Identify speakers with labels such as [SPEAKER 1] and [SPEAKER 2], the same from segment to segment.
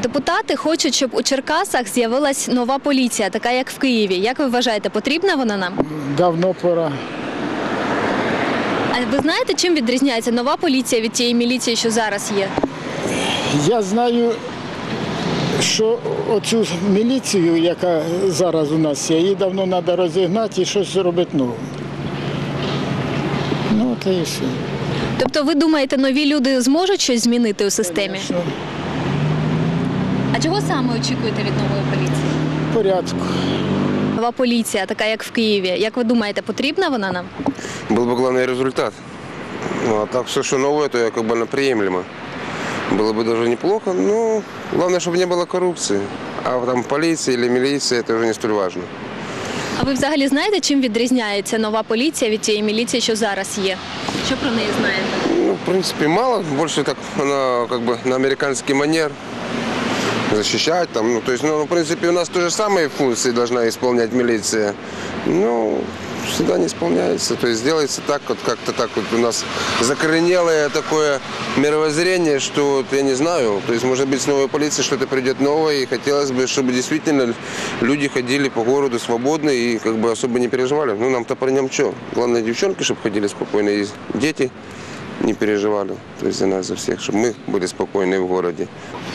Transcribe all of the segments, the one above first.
[SPEAKER 1] Депутати хочуть, щоб у Черкасах з'явилась нова поліція, така як в Києві. Як ви вважаєте, потрібна вона нам?
[SPEAKER 2] Давно пора.
[SPEAKER 1] А ви знаєте, чим відрізняється нова поліція від тієї міліції, що зараз є?
[SPEAKER 2] Я знаю, що оцю міліцію, яка зараз у нас є, її давно треба розігнати і щось зробити нове. Ну, та і все.
[SPEAKER 1] Тобто ви думаєте, нові люди зможуть щось змінити у системі?
[SPEAKER 2] Що?
[SPEAKER 1] А чого саме очікуєте від нової поліції?
[SPEAKER 2] Порядку.
[SPEAKER 1] Нова поліція, така як в Києві. Як ви думаєте, потрібна вона нам?
[SPEAKER 3] Был бы главный результат. Ну, а так все, что новое, то как бы приемлемо. Было бы даже неплохо, но главное, чтобы не было коррупции. А там полиция или милиция, это уже не столь важно.
[SPEAKER 1] А ви взагалі знаєте, чим відрізняється нова поліція від тієї міліції, що зараз є? Що про неї знаєте?
[SPEAKER 3] Ну, в принципе, мало. Больше так она как бы на американский манер. Защищать там. Ну, то есть, ну, в принципе, у нас то же самые функции должна исполнять милиция. Но всегда не исполняется. То есть делается так, вот как-то так вот у нас закоренелое такое мировоззрение, что вот, я не знаю, то есть может быть с новой полицией что-то придет новое, и хотелось бы, чтобы действительно люди ходили по городу свободно и как бы особо не переживали. Ну нам-то при нем что? Главное, девчонки, чтобы ходили спокойно, и дети не переживали, то есть за нас, за всех, чтобы мы были спокойны в городе.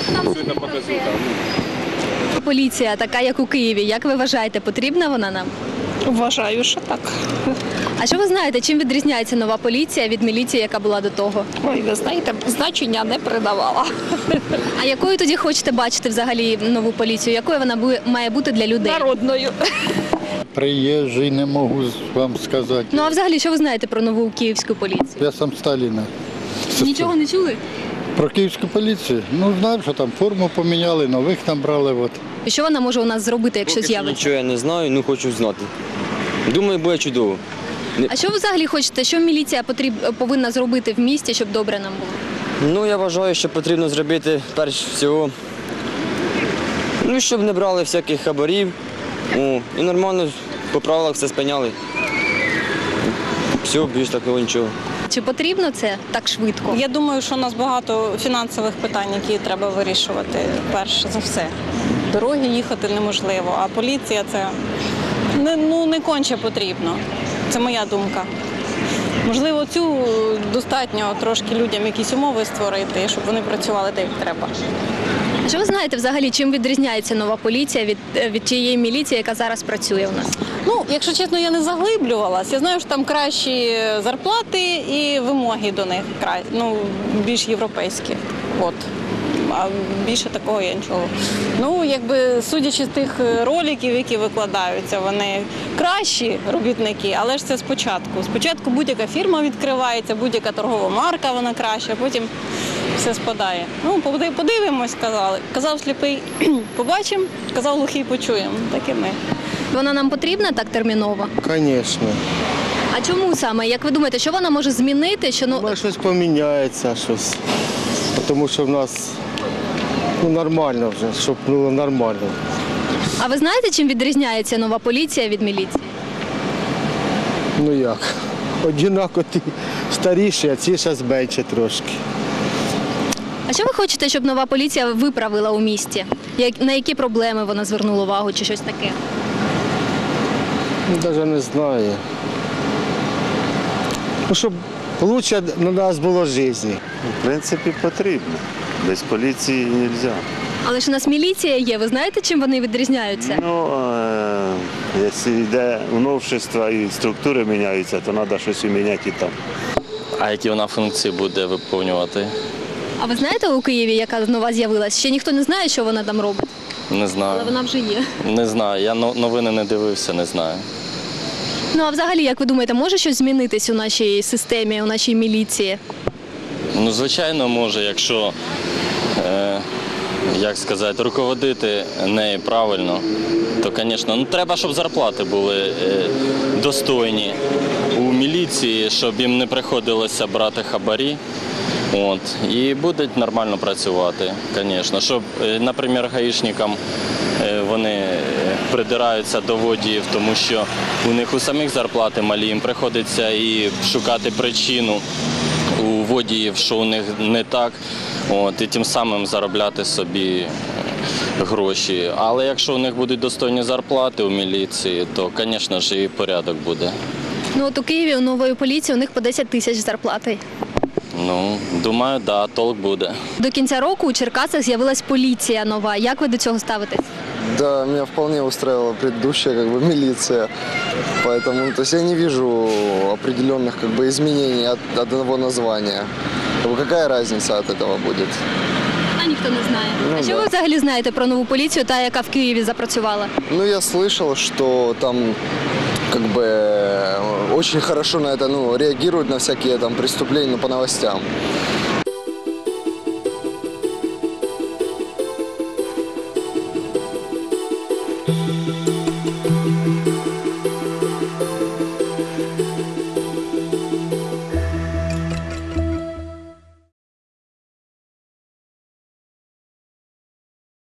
[SPEAKER 1] Поліція, така як у Києві. Як ви вважаєте, потрібна вона нам?
[SPEAKER 4] Вважаю, що так.
[SPEAKER 1] А що ви знаєте, чим відрізняється нова поліція від міліції, яка була до того?
[SPEAKER 4] Ой, ви знаєте, значення не придавала.
[SPEAKER 1] А якою тоді хочете бачити взагалі нову поліцію? Якою вона має бути для людей?
[SPEAKER 4] Народною.
[SPEAKER 2] Приїжджий, не можу вам сказати.
[SPEAKER 1] Ну а взагалі, що ви знаєте про нову київську поліцію?
[SPEAKER 2] Я сам Сталіна.
[SPEAKER 1] Нічого не чули?
[SPEAKER 2] Про київську поліцію? Ну, знаю, що там форму поміняли, нових там брали. От.
[SPEAKER 1] І що вона може у нас зробити, якщо
[SPEAKER 5] Поки що
[SPEAKER 1] з'явиться?
[SPEAKER 5] нічого я не знаю, ну хочу знати. Думаю, буде чудово.
[SPEAKER 1] А що ви взагалі хочете? Що міліція повинна зробити в місті, щоб добре нам було?
[SPEAKER 5] Ну, я вважаю, що потрібно зробити, перш всього, ну, щоб не брали всяких хабарів. І нормально по правилах все спиняли. Все, більш такого нічого.
[SPEAKER 1] Чи потрібно це так швидко?
[SPEAKER 6] Я думаю, що у нас багато фінансових питань, які треба вирішувати, перш за все. Дороги їхати неможливо, а поліція – це не конче потрібно. Це моя думка. Можливо, цю достатньо трошки людям якісь умови створити, щоб вони працювали так, як треба.
[SPEAKER 1] А що ви знаєте взагалі, чим відрізняється нова поліція від тієї міліції, яка зараз працює у нас?
[SPEAKER 6] Ну, якщо чесно, я не заглиблювалась. Я знаю, що там кращі зарплати і вимоги до них більш європейські. От. А більше такого я нічого. Ну, якби судячи з тих роликів, які викладаються, вони кращі робітники, але ж це спочатку. Спочатку будь-яка фірма відкривається, будь-яка торгова марка, вона краща, а потім все спадає. Ну, подивимось, казали. Казав сліпий, побачимо, казав глухий, почуємо. Так і ми.
[SPEAKER 1] Вона нам потрібна так терміново?
[SPEAKER 7] Звісно.
[SPEAKER 1] А чому саме? Як ви думаєте, що вона може змінити?
[SPEAKER 7] Може щось поміняється, щось. Тому що в нас нормально вже, щоб було нормально.
[SPEAKER 1] А ви знаєте, чим відрізняється нова поліція від міліції?
[SPEAKER 7] Ну як? Однаково ті старіші, а ці зараз менше трошки.
[SPEAKER 1] А що ви хочете, щоб нова поліція виправила у місті? На які проблеми вона звернула увагу чи щось таке?
[SPEAKER 7] Навіть не знаю. Ну, щоб краще на нас було життя.
[SPEAKER 8] В принципі, потрібно. Без поліції не можна.
[SPEAKER 1] Але ж у нас міліція є, ви знаєте, чим вони відрізняються?
[SPEAKER 8] Ну, якщо йде новшество і структури міняються, то треба щось і міняти і там.
[SPEAKER 9] А які вона функції буде виконувати?
[SPEAKER 1] А ви знаєте у Києві, яка нова з'явилась? Ще ніхто не знає, що вона там робить,
[SPEAKER 9] Не знаю.
[SPEAKER 1] але вона вже є.
[SPEAKER 9] Не знаю. Я новини не дивився, не знаю.
[SPEAKER 1] Ну а взагалі, як ви думаєте, може щось змінитись у нашій системі, у нашій міліції?
[SPEAKER 9] Ну, звичайно, може, якщо, як сказати, руководити нею правильно, то, звісно, ну, треба, щоб зарплати були достойні у міліції, щоб їм не приходилося брати хабарі. От, і будуть нормально працювати, звісно. Щоб, наприклад, гаїшникам вони придираються до водіїв, тому що у них у самих зарплати малі, їм приходиться і шукати причину у водіїв, що у них не так, от, і тим самим заробляти собі гроші. Але якщо у них будуть достойні зарплати у міліції, то, звісно ж, і порядок буде.
[SPEAKER 1] Ну от у Києві у нової поліції у них по 10 тисяч зарплати.
[SPEAKER 9] Ну, думаю, да, толк буде.
[SPEAKER 1] До кінця року у Черкасах з'явилась поліція нова. Як ви до цього ставитесь?
[SPEAKER 10] Да, меня вполне устраивала предыдущая милиция, поэтому то есть я не вижу определенных изменений от одного названия. Какая разница от этого будет?
[SPEAKER 1] А ніхто не знає. А що ви взагалі знаєте про нову поліцію, та яка в Києві запрацювала?
[SPEAKER 10] Ну, я слышал, что там очень хорошо на это реагируют на всякие преступления по новостям.